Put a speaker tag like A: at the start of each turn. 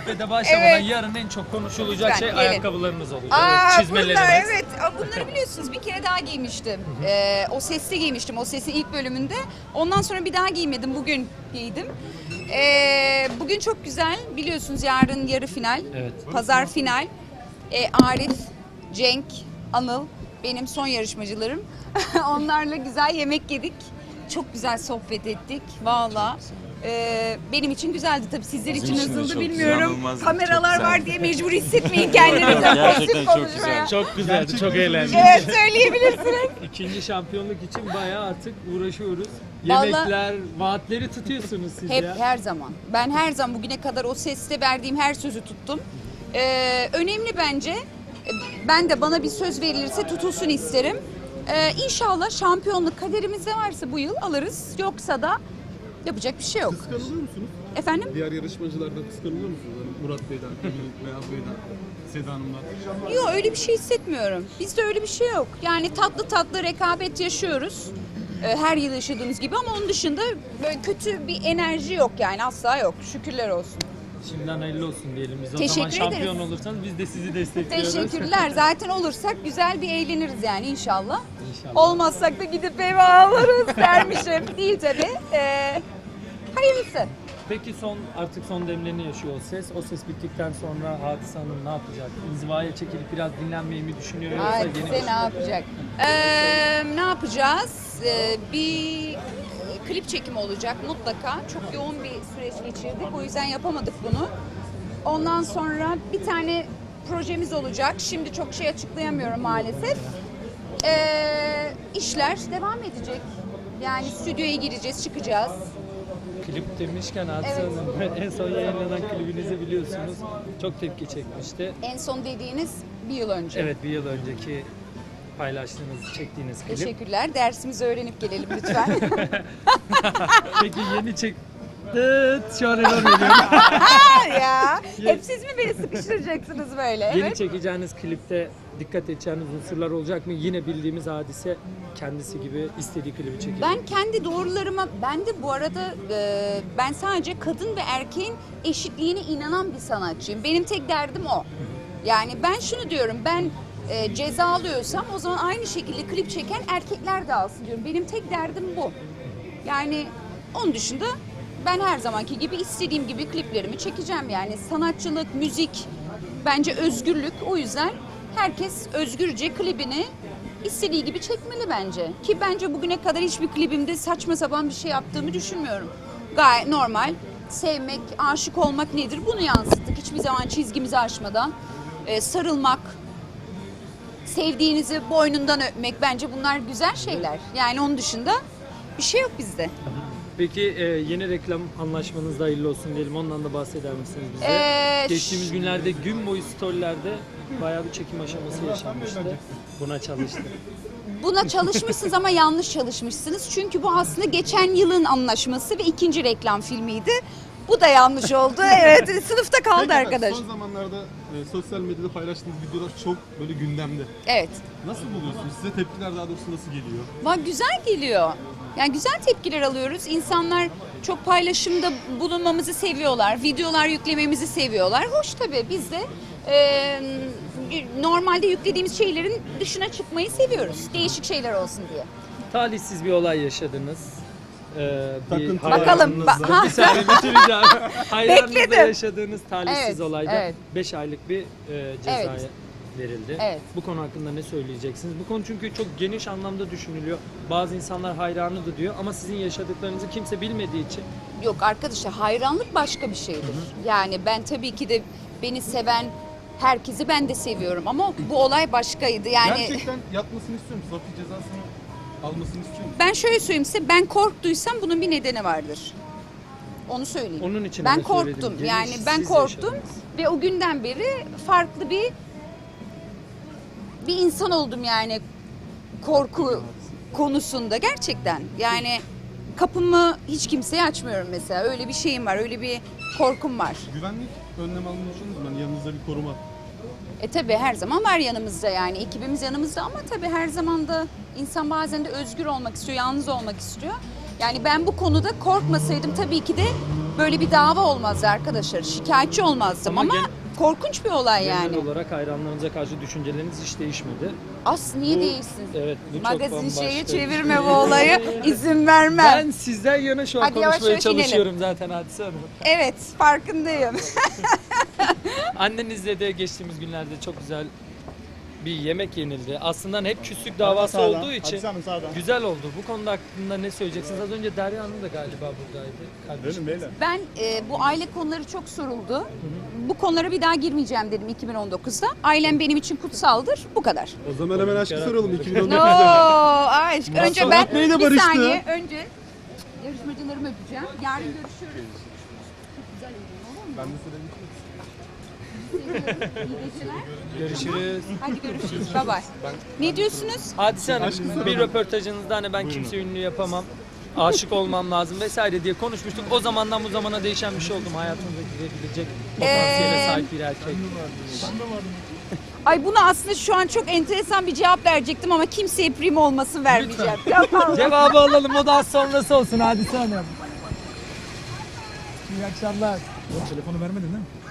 A: sohbete başlamadan
B: Evet.
A: yarın en çok konuşulacak
B: Lütfen,
A: şey
B: gelin.
A: ayakkabılarınız olacak.
B: Aa,
A: Çizmeleriniz.
B: bunlar, evet. Bunları biliyorsunuz, bir kere daha giymiştim. O Ses'te giymiştim, O Ses'in ilk bölümünde. Ondan sonra bir daha giymedim, bugün giydim. Bugün çok güzel, biliyorsunuz yarın yarı final,
A: Evet.
B: pazar final. Arif, Cenk, Anıl benim son yarışmacılarım. Onlarla güzel yemek yedik. Çok güzel sohbet ettik valla. Benim için güzeldi tabii, sizler için
C: için de
B: nasıldı
C: çok
B: bilmiyorum.
C: inanılmaz,
B: Kameralar
C: çok
B: var
C: güzeldi.
B: diye mecbur hissetmeyin kendinizi.
C: Gerçekten
B: Pozitif
C: çok
B: konuşmaya.
C: güzel.
A: Çok güzeldi, çok eğlendik.
B: Evet, söyleyebilirsiniz.
A: İkinci şampiyonluk için bayağı artık uğraşıyoruz.
B: Vallahi-
A: Yemekler, vaatleri tutuyorsunuz siz
B: Hep,
A: ya.
B: her zaman. Ben her zaman bugüne kadar O Ses'te verdiğim her sözü tuttum. Önemli bence. Ben de, bana bir söz verilirse tutulsun isterim. İnşallah şampiyonluk kaderimizde varsa bu yıl alırız. Yoksa da yapacak bir şey yok.
D: Kıskanılıyor musunuz?
B: Efendim?
D: Diğer yarışmacılardan kıskanılıyor musunuz? Hani Murat Bey'den, Emin Beyaz Bey'den, Seda Hanım'dan.
B: Yok, öyle bir şey hissetmiyorum. Bizde öyle bir şey yok. Yani tatlı tatlı rekabet yaşıyoruz. Her yıl yaşadığımız gibi, ama onun dışında böyle kötü bir enerji yok yani, asla yok. Şükürler olsun.
A: Şimdiden hayırlı olsun diyelim biz. O
B: Teşekkür
A: zaman şampiyon
B: ederiz.
A: olursanız biz de sizi destekliyoruz.
B: Teşekkürler. Zaten olursak güzel bir eğleniriz yani inşallah.
A: İnşallah.
B: Olmazsak da gidip eve alırız dermişim. Değil tabii. Hayırlısı.
A: Peki artık son demlerini yaşıyor O Ses. O Ses bittikten sonra Hadise Hanım ne yapacak? İnzivaya çekilip biraz dinlenmeyi mi düşünüyor yoksa
B: Hadise ne yapacak? Ne yapacağız? Bir klip çekimi olacak mutlaka. Çok yoğun bir süreç geçirdik. O yüzden yapamadık bunu. Ondan sonra bir tane projemiz olacak. Şimdi çok şey açıklayamıyorum maalesef. İşler devam edecek. Yani stüdyoya gireceğiz, çıkacağız.
A: Klip demişken Hadise
B: Evet.
A: Hanım en son yayınlanan klibinizi biliyorsunuz. Çok tepki çekmişti.
B: En son dediğiniz bir yıl önce.
A: Evet, bir yıl önceki paylaştığınız, çektiğiniz klip.
B: Teşekkürler. Dersimizi öğrenip gelelim lütfen.
A: Peki yeni çek... Dıt, şu an error veriyorum.
B: Ya, hep siz mi beni sıkıştıracaksınız böyle?
A: Yeni
B: Evet.
A: çekeceğiniz klipte dikkat edeceğiniz unsurlar olacak mı? Yine bildiğimiz Hadise kendisi gibi istediği klibi çekiyor.
B: Ben kendi doğrularıma, ben de bu arada ben sadece kadın ve erkeğin eşitliğine inanan bir sanatçıyım. Benim tek derdim o. Yani ben şunu diyorum, ben ceza alıyorsam o zaman aynı şekilde klip çeken erkekler de alsın diyorum. Benim tek derdim bu. Yani onun dışında ben her zamanki gibi istediğim gibi kliplerimi çekeceğim. Yani sanatçılık, müzik bence özgürlük. O yüzden herkes özgürce klibini istediği gibi çekmeli bence. Ki bence bugüne kadar hiçbir klibimde saçma sapan bir şey yaptığımı düşünmüyorum. Gayet normal. Sevmek, aşık olmak nedir? Bunu yansıttık. Hiçbir zaman çizgimizi aşmadan. Sarılmak, sevdiğinizi boynundan öpmek, bence bunlar güzel şeyler. Yani onun dışında bir şey yok bizde.
A: Peki yeni reklam anlaşmanız da hayırlı olsun diyelim. Ondan da bahseder misiniz bize? Geçtiğimiz günlerde gün boyu storylerde bayağı bir çekim aşaması yaşanmıştı. Buna çalıştı.
B: Buna çalışmışsınız ama yanlış çalışmışsınız. Çünkü bu aslında geçen yılın anlaşması ve ikinci reklam filmiydi. Bu da yanlış oldu. Evet, sınıfta kaldı
D: Peki,
B: arkadaş.
D: Son zamanlarda sosyal medyada paylaştığınız videolar çok böyle gündemde.
B: Evet.
D: Nasıl buluyorsunuz? Size tepkiler daha doğrusu nasıl geliyor?
B: Güzel geliyor. Yani güzel tepkiler alıyoruz. İnsanlar çok paylaşımda bulunmamızı seviyorlar. Videolar yüklememizi seviyorlar. Hoş tabii, biz de normalde yüklediğimiz şeylerin dışına çıkmayı seviyoruz. Değişik şeyler olsun diye.
A: Talihsiz bir olay yaşadınız.
D: Takıntı
B: Bakalım.
A: hayranınızla- Bir saniye bitireceğim. Hayranınızla
B: Bekledim.
A: yaşadığınız talihsiz
B: Evet,
A: olayda
B: evet.
A: 5 aylık bir cezaya
B: Evet.
A: verildi.
B: Evet.
A: Bu konu hakkında ne söyleyeceksiniz? Bu konu çünkü çok geniş anlamda düşünülüyor. Bazı insanlar hayranıdır diyor ama sizin yaşadıklarınızı kimse bilmediği için
B: Yok arkadaşlar, hayranlık başka bir şeydir. Yani ben tabii ki de beni seven herkesi ben de seviyorum ama bu olay başkaydı. Yani
D: Gerçekten yatmasını istiyor musunuz? Hafif cezasını almasını istiyor musunuz?
B: ben şöyle söyleyeyim size, ben korktuysam bunun bir nedeni vardır. Onu söyleyeyim.
A: onun için
B: Ben
A: öyle söyledim.
B: korktum.
A: Geniş,
B: Yani ben
A: siz
B: korktum
A: yaşadınız.
B: ve o günden beri farklı bir insan oldum yani korku konusunda gerçekten. Yani kapımı hiç kimseye açmıyorum mesela. Öyle bir şeyim var, öyle bir korkum var.
D: Güvenlik önlem almışsınız mı? Yani yanınızda bir koruma.
B: Tabii her zaman var yanımızda, yani ekibimiz yanımızda, ama tabii her zaman da insan bazen de özgür olmak istiyor, yalnız olmak istiyor. Yani ben bu konuda korkmasaydım tabii ki de böyle bir dava olmazdı arkadaşlar. Şikayetçi olmazdım
A: Ama
B: ama korkunç bir olay
A: Genel
B: yani.
A: olarak hayranlarınıza karşı düşünceleriniz hiç değişmedi.
B: Niye değilsin?
A: Evet, bu çok
B: Magazin
A: bambaşka
B: şeye
A: bir şey.
B: çevirme bu olayı. İzin vermem.
A: Ben sizden yana şu an
B: Hadi yavaş
A: konuşmaya
B: yavaş inelim.
A: çalışıyorum zaten Hadise Hanım.
B: Evet, farkındayım.
A: Annenizle de geçtiğimiz günlerde çok güzel bir yemek yenildi. Aslında hep küslük davası olduğu için güzel oldu. Bu konuda hakkında ne söyleyeceksiniz? Az önce Derya Hanım da galiba buradaydı. Kardeşim.
B: Ben bu aile konuları çok soruldu. Bu konulara bir daha girmeyeceğim dedim 2019'da. Ailem benim için kutsaldır. Bu kadar.
D: O zaman hemen aşkı soralım
B: No
D: 2019'da.
B: aşk. Önce ben
D: Bey de
B: bir
D: barıştı.
B: saniye önce yarışmacılarımı öpeceğim. Yarın görüşürüz. Çok güzel olur mu?
D: Ben de size
B: İyi geceler.
A: Görüşürüz.
B: Hadi görüşürüz. Bye bye. Ne diyorsunuz?
A: Hadise Hanım bir röportajınızda hani ben kimse ünlü yapamam, aşık olmam lazım vesaire diye konuşmuştuk. O zamandan bu zamana değişen bir şey oldu mu? Hayatınıza girebilecek potansiyele sahip bir erkek.
B: Ay buna aslında şu an çok enteresan bir cevap verecektim ama kimseye prim olmasın vermeyeceğim. Yapalım.
A: Cevabı alalım, o daha sonrası olsun Hadise Hanım. İyi akşamlar.
D: Telefonu vermedin değil mi?